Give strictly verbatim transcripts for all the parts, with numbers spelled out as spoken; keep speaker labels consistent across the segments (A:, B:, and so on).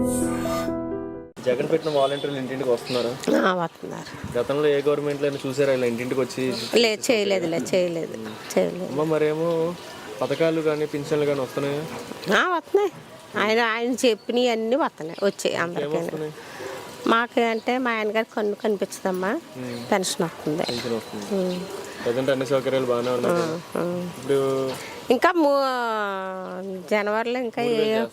A: జగన్ పెట్టిన వాలంటీర్లు ఇంటింటికి వస్తున్నారు.
B: వస్తున్నారు.
A: గతంలో ఏ గవర్నమెంట్లో అయినా చూసారా ఇలా ఇంటింటికి వచ్చి?
B: లేదు, చేయలేదు లేదు చేయలేదు చేయలేదు
A: అమ్మ మరేమో పథకాలు కానీ పింఛన్లు కానీ వస్తున్నాయా?
B: వస్తున్నాయి. ఆయన ఆయన చెప్పినవి అన్నీ వస్తున్నాయి, వచ్చాయి అందరికీ. మాకు అంటే మా ఆయన గారికి కన్ను కనిపించదమ్మా, పెన్షన్ వస్తుంది.
A: ప్రజెంట్ అన్ని సౌకర్యాలు బాగానే ఉన్నాయి. ఇప్పుడు
B: ఇంకా జనవరిలో ఇంకా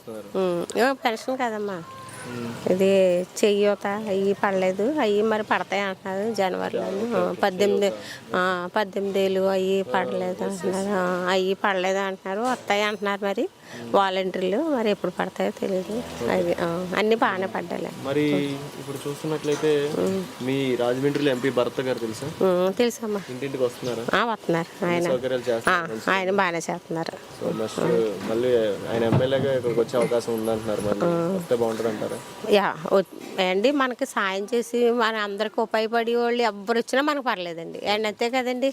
B: ఏ పెన్షన్ కదమ్మా, ఇది చెయ్యత అవి పడలేదు, అవి మరి పడతాయి అంటున్నారు జనవరిలో. పద్దెనిమిది పద్దెనిమిది ఏళ్ళు అవి పడలేదు అంటున్నారు, అవి పడలేదు అంటున్నారు, వస్తాయి అంటున్నారు. మరి వాలంటీర్లు మరి ఎప్పుడు పడతాయో తెలియదు. అవి అన్నీ బాగానే పడ్డాయి.
A: మరి ఇప్పుడు చూస్తున్నట్లయితే మీ రాజమండ్రిలో ఎంపీ భరత్ గారు తెలుసా?
B: తెలుసమ్మా.
A: ఇంటింటికి వస్తున్నారు.
B: వస్తున్నారు. ఆయన ఆయన బాగానే చేస్తున్నారు.
A: మళ్ళీ ఆయన ఎమ్మెల్యేగా ఇక్కడికి వచ్చే అవకాశం ఉందంటున్నారు. మరి వస్తే బాగుంటుంది అంటారు.
B: యా అండి, మనకి సాయం చేసి మన అందరికి ఉపయోగపడే వాళ్ళు ఎవ్వరు వచ్చినా మనకు పర్లేదండి. అండ్ అంతే కదండి.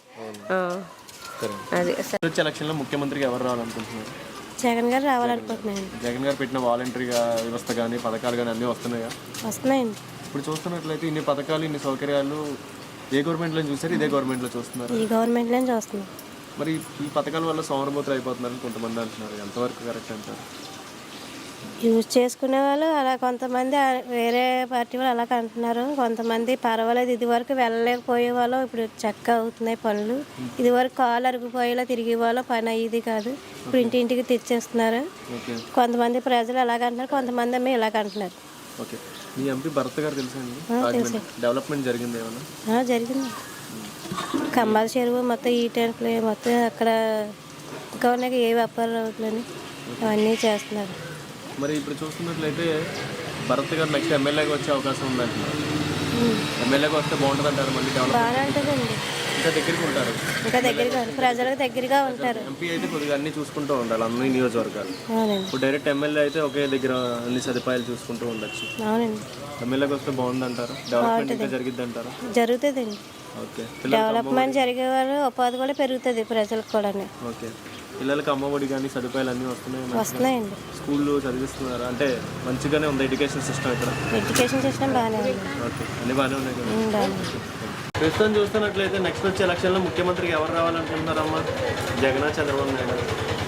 B: అది
A: వచ్చే ఎలక్షన్లో ముఖ్యమంత్రిగా ఎవరు రావాలనుకుంటున్నారు?
B: జగన్ గారు రావాలనుకుంటున్నాను.
A: జగన్ గారు పెట్టిన వాలంటరీగా వ్యవస్థ కానీ పథకాలు కానీ అన్నీ వస్తున్నాయా?
B: వస్తున్నాయండి.
A: ఇప్పుడు చూస్తున్నట్లయితే ఇన్ని పథకాలు ఇన్ని సౌకర్యాలు ఏ గవర్నమెంట్లో చూసారు? ఇదే గవర్నమెంట్లో చూస్తున్నారు.
B: ఈ గవర్నమెంట్లో చూస్తున్నారు.
A: మరి ఈ పథకాల వల్ల సోమరబోతులు అయిపోతున్నారని కొంతమంది అంటున్నారు. ఎంతవరకు కరెక్ట్ అంటారు?
B: యూజ్ చేసుకునే వాళ్ళు అలా, కొంతమంది వేరే పార్టీ వాళ్ళు అలాగ అంటున్నారు. కొంతమంది పర్వాలేదు, ఇది వరకు వెళ్ళలేకపోయే వాళ్ళు ఇప్పుడు చక్కగా అవుతున్నాయి పనులు. ఇది వరకు కాలు అరిగిపోయేలా తిరిగే వాళ్ళు పని అయ్యేది కాదు, ఇప్పుడు ఇంటింటికి తెచ్చేస్తున్నారు. కొంతమంది ప్రజలు అలాగ అంటున్నారు, కొంతమంది ఏమో ఇలాగ అంటున్నారు.
A: ఓకే, మీ ఎంపీ భరత్ గారు తెలుసా అండి? డెవలప్మెంట్ జరిగింది ఏమన్నా?
B: జరిగింది. కంబాల చెరువు మొత్తం ఈ టైంలో మొత్తం అక్కడ ఇంకా ఉన్నాయి ఏ వ్యాపారాలు అవుతుందని అవన్నీ చేస్తున్నారు.
A: మరి ఇప్పుడు చూస్తున్నట్లయితే భరత్ గారు నెక్స్ట్ ఎమ్మెల్యేగా వచ్చే అవకాశం ఉందంటున్నారు. ఎమ్మెల్యేగా వస్తే బాగుంటుంది అంటారు. మళ్ళీ
B: బాగా ఉంటుందండి.
A: ఇంకా దగ్గరికి ఉంటారు,
B: ఇంకా దగ్గరగా ప్రజలకు దగ్గరగా ఉంటారు.
A: ఎంపీ అయితే కొద్దిగా అన్ని చూసుకుంటూ ఉండాలి అన్ని నియోజకవర్గాలు. ఇప్పుడు డైరెక్ట్ ఎమ్మెల్యే అయితే ఒకే దగ్గర అన్ని సదుపాయాలు చూసుకుంటూ ఉండొచ్చు.
B: అవునండి.
A: ఎమ్మెల్యేకి వస్తే బాగుంది అంటారు. డెవలప్మెంట్ ఇంకా జరిగిద్ది అంటారు.
B: జరుగుతుందండి.
A: ఓకే,
B: డెవలప్మెంట్ జరిగే వాళ్ళు ఉపాధి కూడా పెరుగుతుంది ప్రజలకు కూడా.
A: ఓకే, పిల్లలకి అమ్మఒడి కానీ సదుపాయాలు అన్నీ వస్తున్నాయి
B: వస్తున్నాయండి.
A: స్కూల్లో చదివిస్తున్నారు అంటే మంచిగానే ఉంది ఎడ్యుకేషన్ సిస్టమ్ ఇక్కడ?
B: ఎడ్యుకేషన్ సిస్టమ్ బాగానే ఉంది.
A: ఓకే, అన్ని బాగానే ఉన్నాయి కదా. ప్రస్తుతం చూస్తున్నట్లయితే నెక్స్ట్ వచ్చే ఎలక్షన్లో ముఖ్యమంత్రికి ఎవరు రావాలనుకుంటున్నారమ్మా? జగన్, చంద్రబాబు నాయుడు?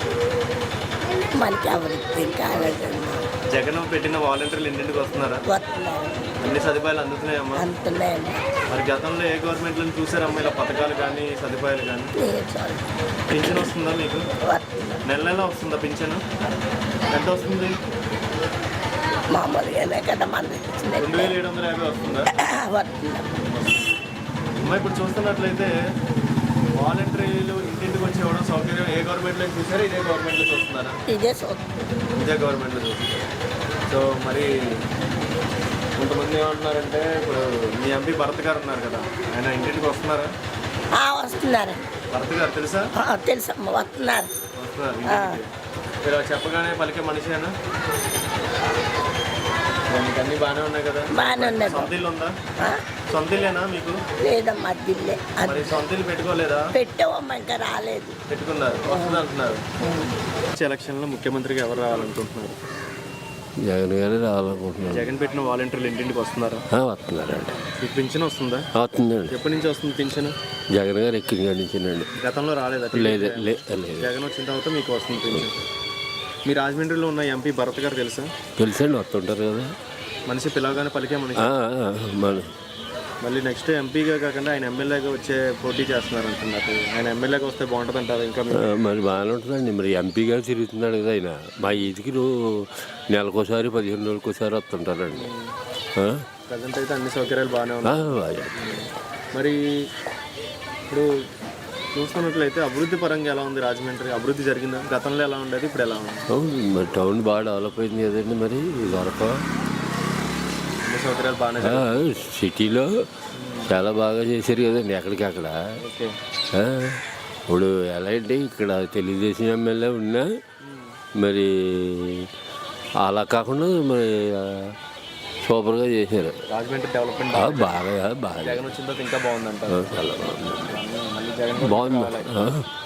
C: మనకి ఎవరికి కాలేదు.
A: జగన్ పెట్టిన వాలంటీర్లు ఇంటింటికి వస్తున్నారా? అన్ని సదుపాయాలు అందుతున్నాయమ్మా?
C: అందుతున్నాయండి.
A: మరి గతంలో ఏ గవర్నమెంట్లో చూసారమ్మా ఇలా పథకాలు కానీ సదుపాయాలు కానీ? పింఛన్ వస్తుందా మీకు? నెల నెల వస్తుందా పింఛను? ఎంత వస్తుంది?
C: మామూలుగానే కదా మన
A: రెండు వేల ఏడు వందల యాభై వస్తుందా? అమ్మా ఇప్పుడు చూస్తున్నట్లయితే వాలంటీర్లు ఇంటింటికి వచ్చి ఇవ్వడం సౌకర్యం ఏ గవర్నమెంట్లో చూసారా? ఇదే గవర్నమెంట్లో చూస్తున్నారా?
C: ఇదే
A: ఇదే గవర్నమెంట్లో చూస్తున్నారు. సో మరి కొంతమంది ఏమంటున్నారంటే ఇప్పుడు మీ ఎంపీ భరత్ గారు ఉన్నారు కదా, ఆయన ఇంటింటికి వస్తున్నారా?
C: వస్తున్నారు.
A: భరత్ గారు తెలుసా?
C: తెలుసమ్మా, వస్తున్నారు.
A: వస్తున్నారు ఇంటింటికి. మీరు చెప్పగానే పలికే మనిషేనా? మీకు అన్ని బాగానే ఉన్నాయి కదా?
C: బాగానే ఉన్నాయి.
A: సొంత ఇల్లు ఉందా? సొంత ఇల్లేనా మీకు?
C: లేదమ్మా, అద్దిల్లే.
A: మరి సొంత ఇల్లు పెట్టుకోలేదా?
C: పెట్టావమ్మా, ఇంకా రాలేదు.
A: పెట్టుకున్నారు, వస్తుంది అంటున్నారు. ఎలక్షన్లో ముఖ్యమంత్రిగా ఎవరు రావాలనుకుంటున్నారు?
D: జగన్ గారు రావాలనుకుంటున్నారు.
A: జగన్ పెట్టిన వాలంటీర్లు ఇంటింటికి వస్తున్నారా?
D: వస్తున్నారండి.
A: మీకు పింఛన్ వస్తుందా?
D: వస్తుందండి.
A: ఎప్పటి నుంచి వస్తుంది పింఛన్?
D: జగన్ గారు ఎక్కిన గడించిందండి.
A: గతంలో రాలేదా?
D: లేదు లేదు.
A: జగన్ వచ్చిన తర్వాత మీకు వస్తుంది పింఛన్. మీ రాజమండ్రిలో ఉన్న ఎంపీ భరత్ గారు తెలుసా?
D: తెలుసండి, వస్తుంటారు కదా.
A: మనిషి పిలవగానే పలికే మనిషి.
D: మన
A: మళ్ళీ నెక్స్ట్ ఎంపీగా కాకుండా ఆయన ఎమ్మెల్యేగా వచ్చే పోటీ చేస్తున్నారు అంటున్నారు. ఆయన ఎమ్మెల్యేగా వస్తే బాగుంటుంది అంటారు. ఇంకా
D: మరి బాగానే ఉంటుందండి. మరి ఎంపీగా తిరుగుతున్నాడు కదా ఆయన. మా ఈదికి నెలకోసారి పదిహేను రోజులకోసారి వస్తుంటారండి.
A: ప్రజెంట్ అయితే అన్ని సౌకర్యాలు బాగానే ఉన్నాయి. మరి ఇప్పుడు చూస్తున్నట్లయితే అభివృద్ధి పరంగా ఎలా ఉంది రాజమండ్రి? అభివృద్ధి జరిగిందా? గతంలో ఎలా ఉండేది, ఇప్పుడు ఎలా ఉంది?
D: అవును, మరి టౌన్ బాగా డెవలప్ అయింది కదండి. మరి దొరక
A: అన్ని సౌకర్యాలు బాగానే,
D: సిటీలో చాలా బాగా చేశారు కదండి ఎక్కడికి అక్కడ. ఇప్పుడు ఎలా అంటే ఇక్కడ తెలుగుదేశం ఎమ్మెల్యే ఉన్నా మరి అలా కాకుండా మరి సూపర్గా చేశారు.
A: రాజమండ్రి డెవలప్మెంట్
D: బాగా బాగా
A: జగన్ వచ్చిన తర్వాత ఇంకా బాగుందంటారు.
D: చాలా బాగుంది. బాగుంది.